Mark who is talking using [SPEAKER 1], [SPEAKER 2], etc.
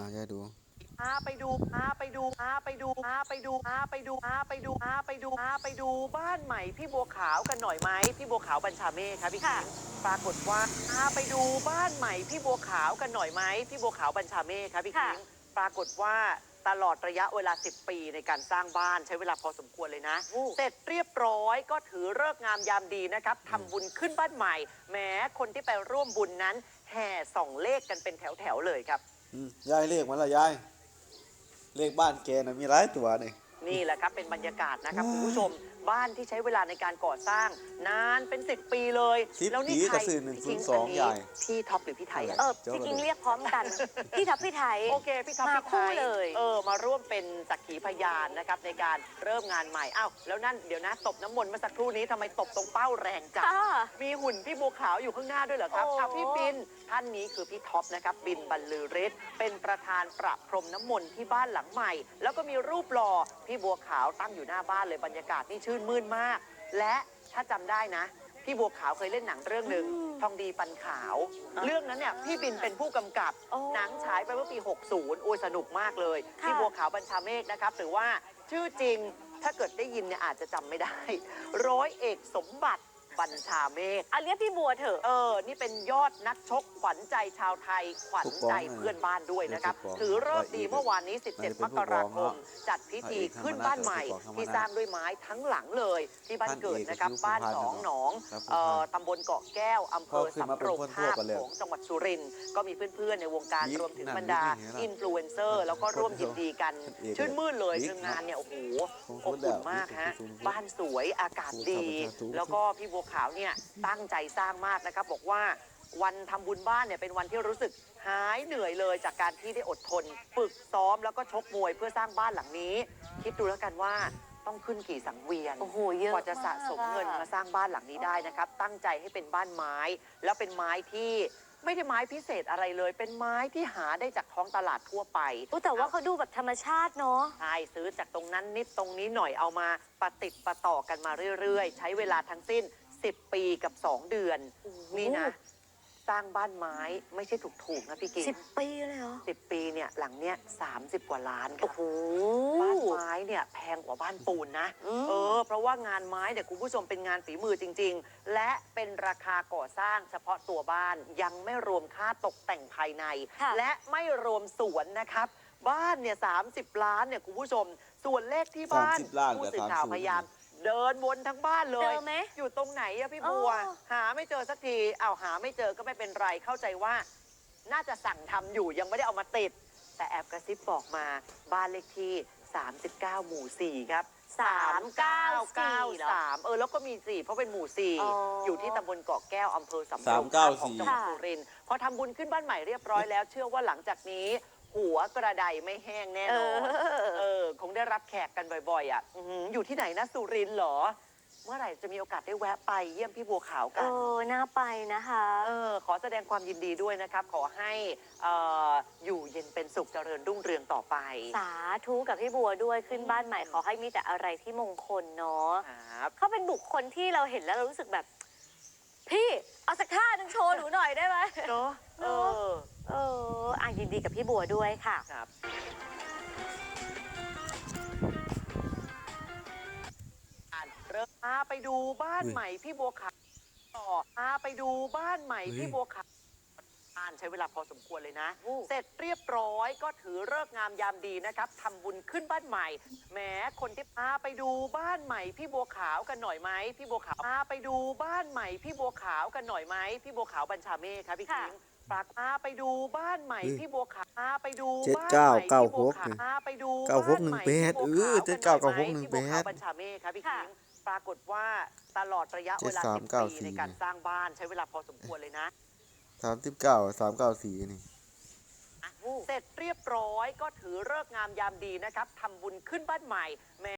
[SPEAKER 1] ยายดู
[SPEAKER 2] ไปดูบ้านใหม่พี่บัวขาวกันหน่อยไหมพี่บัวขาวบัญชาเมฆครับพี่คิงปรากฏว่าไปดูบ้านใหม่พี่บัวขาวกันหน่อยไหมพี่บัวขาวบัญชาเมฆครับพี่คิงปรากฏว่าตลอดระยะเวลา10 ปีในการสร้างบ้านใช้เวลาพอสมควรเลยนะเสร็จเรียบร้อยก็ถือฤกษ์งามยามดีนะครับทำบุญขึ้นบ้านใหม่แม้คนที่ไปร่วมบุญนั้นแห่ส่องเลขกันเป็นแถวๆเลยครับ
[SPEAKER 1] ยายเลขมันละยายเลขบ้านแกน่ะมีหลายตัวนี่
[SPEAKER 2] นี่แหละครับเป็นบรรยากาศนะครับคุณผู้ชมบ้านที่ใช้เวลาในการก่อสร้างนานเป็น10 ปีเลย
[SPEAKER 1] แล้วนี่ใคร102ใหญ่
[SPEAKER 2] พี่ท็อปหรือพี่ไทย
[SPEAKER 3] พี่กิ้งเรียกพร้อมกันพี่ท็อปพี่ไทย
[SPEAKER 2] โอเคพี่ท็อปพี่ไทยเลยมาร่วมเป็นสักขีพยานนะครับในการเริ่มงานใหม่อ้าวแล้วนั่นเดี๋ยวนะตบน้ำมนต์เมื่อสักครู่นี้ทำไมตบตรงเป้าแรงจังมีหุ่นพี่บัวขาวอยู่ข้างหน้าด้วยเหรอครับพี่บินท่านนี้คือพี่ท็อปนะครับบินบรรลือฤทธิ์เป็นประธานประพรมน้ำมนต์ที่บ้านหลังใหม่แล้วก็มีรูปหล่อพี่บัวขาวตั้งอยู่หน้าบ้านเลยบรรยากาศนี่ชื่นมื่นมากและถ้าจำได้นะพี่บัวขาวเคยเล่นหนังเรื่องหนึ่งทองดีปันขาวเรื่องนั้นเนี่ยพี่บินเป็นผู้กำกับหนังฉายไปเมื่อปี60โอ้ยสนุกมากเลยพี่บัวขาวบัญชาเมฆนะครับหรือว่าชื่อจริงถ้าเกิดได้ยินเนี่ยอาจจะจำไม่ได้ร้อยเอกสมบัติบัญชาเมฆ
[SPEAKER 3] เรียกพี่บัวเถอะ
[SPEAKER 2] นี่เป็นยอดนักชกขวัญใจชาวไทยขวัญใจเพื่อนบ้านด้วยนะครับถือฤกษ์ดีเมื่อวานนี้17 มกราคมจัดพิธีขึ้นบ้านใหม่ที่สร้างด้วยไม้ทั้งหลังเลยที่บ้านเกิดนะครับบ้าน2 หนองตำบลเกาะแก้วอำเภอสำโรงทาบของจังหวัดสุรินทร์ก็มีเพื่อนๆในวงการรวมถึงบรรดาอินฟลูเอนเซอร์แล้วก็ร่วมยินดีกันชื่นมื่นเลยงานเนี่ยโอ้โหอบอุ่นมากฮะบ้านสวยอากาศดีแล้วก็พี่บัวขาวเนี่ยตั้งใจสร้างมากนะครับบอกว่าวันทำบุญบ้านเนี่ยเป็นวันที่รู้สึกหายเหนื่อยเลยจากการที่ได้อดทนฝึกซ้อมแล้วก็ชกมวยเพื่อสร้างบ้านหลังนี้คิดดูแล้วกันว่าต้องขึ้นกี่สังเวียน
[SPEAKER 3] โอ้โหเยอะ
[SPEAKER 2] กว่าจะสะสมเงินมาสร้างบ้านหลังนี้ได้นะครับตั้งใจให้เป็นบ้านไม้แล้วเป็นไม้ที่ไม่ได้ไม้พิเศษอะไรเลยเป็นไม้ที่หาได้จากท้องตลาดทั่วไป
[SPEAKER 3] แต่ว่าเขาดูแบบธรรมชาติเนาะ
[SPEAKER 2] ใช่ซื้อจากตรงนั้นนิดตรงนี้หน่อยเอามาประติดประต่อกันมาเรื่อยๆใช้เวลาทั้งสิ้น10 ปีกับ2 เดือนนี่นะสร้างบ้านไม้ไม่ใช่ถูกๆนะพี่กิ๊ก
[SPEAKER 3] 10 ปีเลยเหรอ
[SPEAKER 2] 10 ปีเนี่ยหลังเนี้ย30 กว่าล้านครับ
[SPEAKER 3] โอ้โห
[SPEAKER 2] บ้านไม้เนี่ยแพงกว่าบ้านปูนนะเพราะว่างานไม้เนี่ยคุณผู้ชมเป็นงานฝีมือจริงๆและเป็นราคาก่อสร้างเฉพาะตัวบ้านยังไม่รวมค่าตกแต่งภายในและไม่รวมสวนนะครับบ้านเนี่ย30 ล้านเนี่ยคุณผู้ชมส่วนเลขที่บ้านผู้สื่อข่าวพยายามเดินวนทั้งบ้านเลยอยู่ตรงไหนอะพี่บัวหาไม่เจอสักทีหาไม่เจอก็ไม่เป็นไรเข้าใจว่าน่าจะสั่งทำอยู่ยังไม่ได้เอามาติดแต่แอบกระซิบบอกมาบ้านเลขที่39 หมู่ 4ครับ3993แล้วก็มี4เพราะเป็นหมู่4อยู่ที่ตำบลเกาะแก้วอำเภอสำโรงทาบของจังหวัดสุรินทร์พอทำบุญขึ้นบ้านใหม่เรียบร้อยแล้วเชื่อว่าหลังจากนี้หัวกระไดไม่แห้งแน่นอนคงได้รับแขกกันบ่อยๆอยู่ที่ไหนนะสุรินทร์เหรอเมื่อไหร่จะมีโอกาสได้แวะไปเยี่ยมพี่บัวขาวกัน
[SPEAKER 3] น่าไปนะคะ
[SPEAKER 2] ขอแสดงความยินดีด้วยนะครับขอให้อยู่เย็นเป็นสุขเจริญรุ่งเรืองต่อไป
[SPEAKER 3] สาธุกับพี่บัวด้วยขึ้นบ้านใหม่ขอให้มีแต่อะไรที่มงคลเนาะเขาเป็นบุคคลที่เราเห็นแล้วเรารู้สึกแบบพี่เอาสักท่าหนึ่งโชว์หนูหน่อยได้ไหม
[SPEAKER 2] เนาะ
[SPEAKER 3] ยินดีกับพี่บัวด้วยค่ะ
[SPEAKER 2] ครับไปดูบ้านใหม่พี่บัวขาวต่อไปดูบ้านใหม่พี่บัวขาวใช้เวลาพอสมควรเลยนะเสร็จเรียบร้อยก็ถือฤกษ์งามยามดีนะครับทำบุญขึ้นบ้านใหม่แม้คนที่ไปดูบ้านใหม่พี่บัวขาวกันหน่อยไหมพี่บัวขาวไปดูบ้านใหม่พี่บัวขาวกันหน่อยไหมพี่บัวขาวบัญชาเมฆครับพี่คิงไปดูบ้านใหม่พี่บัวขาวไปดูบ้านใหม่พี่บัวขาวไปดู
[SPEAKER 1] 7996 7996
[SPEAKER 2] บัญชาเมฆครับพี่คิงปรากฏว่าตลอดระยะเวลา10 ปีในการสร้างบ้านใช้เวลาพอสมควรเลยนะ
[SPEAKER 1] 39394นี่
[SPEAKER 2] เสร็จเรียบร้อยก็ถือฤกษ์งามยามดีนะครับทำบุญขึ้นบ้านใหม่